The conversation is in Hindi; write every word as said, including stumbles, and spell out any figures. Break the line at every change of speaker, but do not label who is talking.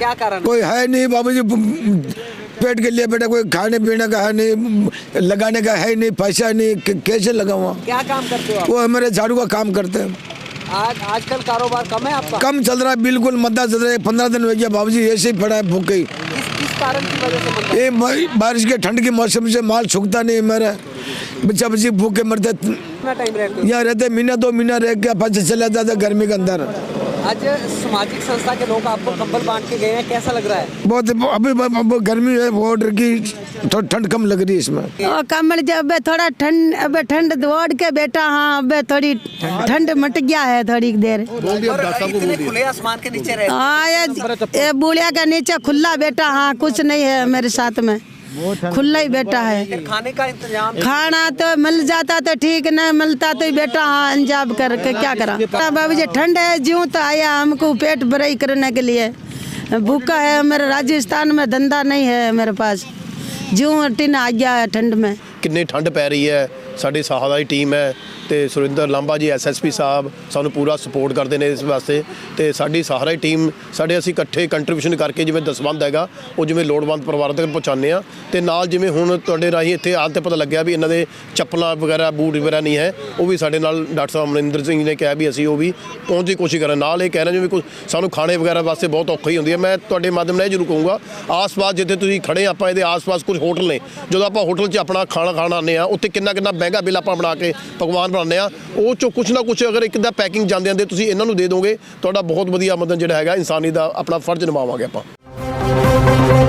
क्या कारण?
कोई है नहीं बाबूजी, पेट के लिए बेटा कोई खाने पीने का है नहीं, लगाने का है नहीं, पैसा नहीं, कैसे लगाऊंगा?
क्या काम करते हो आप?
वो हमारे झाड़ू का काम करते हैं।
आज आजकल कारोबार कम है आपका?
कम चल रहा है, बिल्कुल मंदा चल रहा है। पंद्रह दिन हो गया बाबूजी, ऐसे ही पड़ा है भूखे।
किस किस कारण की वजह से मंदा?
ये म- बारिश के ठंड के मौसम से माल सूखता नहीं मेरा, बच्चा बच्ची भूखे मरते।
कितना टाइम रहते हो?
यहाँ रहते महीना दो महीना रह के फिर चला जाता गर्मी के अंदर।
आज सामाजिक संस्था के लोग आपको कंबल बांट के गए हैं, कैसा लग रहा है?
बहुत अभी अब गर्मी है, ऑर्डर की थोड़ी ठंड कम लग रही है इसमें।
और कमल जब थोड़ा ठंड, अब ठंड दौड़ के बेटा, हाँ अब थोड़ी ठंड मट गया है थोड़ी देर।
इतने खुले आसमान के नीचे रहे?
हाँ ये, ये बुढ़िया के नीचे खुला बेटा, हाँ कुछ नहीं है मेरे साथ में, खुला ही बेटा है।
फिर खाने का इंतजाम?
खाना तो मिल जाता तो ठीक, नहीं मिलता तो बेटा हाँ अंजाम करके क्या करा। बाबू जी ठंड है, ज्यों तो आया हमको पेट भराई करने के लिए, भूखा है। मेरे राजस्थान में धंधा नहीं है मेरे पास, ज्यों टिन आ गया है ठंड में।
कितनी ठंड पै रही है, साड़ी साहा की टीम है तो Surinder Lamba ji S S P साहब सानू पूरा सपोर्ट करते हैं इस वास्ते। तो साड़ी सारा ही टीम साढ़े असी इकट्ठे कंट्रीब्यूशन करके जिवें दसवंध हैगा वो जिवें लोड़वंद परिवार तक पहुँचाने आ। तो नाल जिवें हुण तुहाडे राही इत्थे आल ते पता लग्या भी इन्हां दे चप्पलां वगैरह बूट वगैरह नहीं है, वो भी साडे नाल डॉक्टर साहब अमरिंदर सिंह ने कहा भी असीं वो भी पहुँच की कोशिश करें। नाल ये कह रहे जिवें कुछ सानू खाने वगैरह वास्ते बहुत औखी हुंदी है। मैं तुहाडे माध्यम नाल जरूर कहूँगा आस पास जिथे तुसीं खड़े आपां इहदे आस पास कुछ होटल ने, जो आपां होटल 'च अपना खाना खाना आने उत्थे किन्ना किन्ना महंगा बिल आपां बना के पकवान बनाने आ, ਉਹ ਚੋਂ ਕੁਛ ਨਾ ਕੁਛ ਅਗਰ ਇੱਕ ਦਾ ਪੈਕਿੰਗ ਜਾਂਦੇ ਆਂਦੇ ਤੁਸੀਂ ਇਹਨਾਂ ਨੂੰ ਦੇ ਦੋਗੇ, ਤੁਹਾਡਾ ਬਹੁਤ ਵਧੀਆ ਮਦਦ ਜਿਹੜਾ ਹੈਗਾ ਇਨਸਾਨੀ ਦਾ ਆਪਣਾ ਫਰਜ਼ ਨਿਭਾਵਾਂਗੇ ਆਪਾਂ।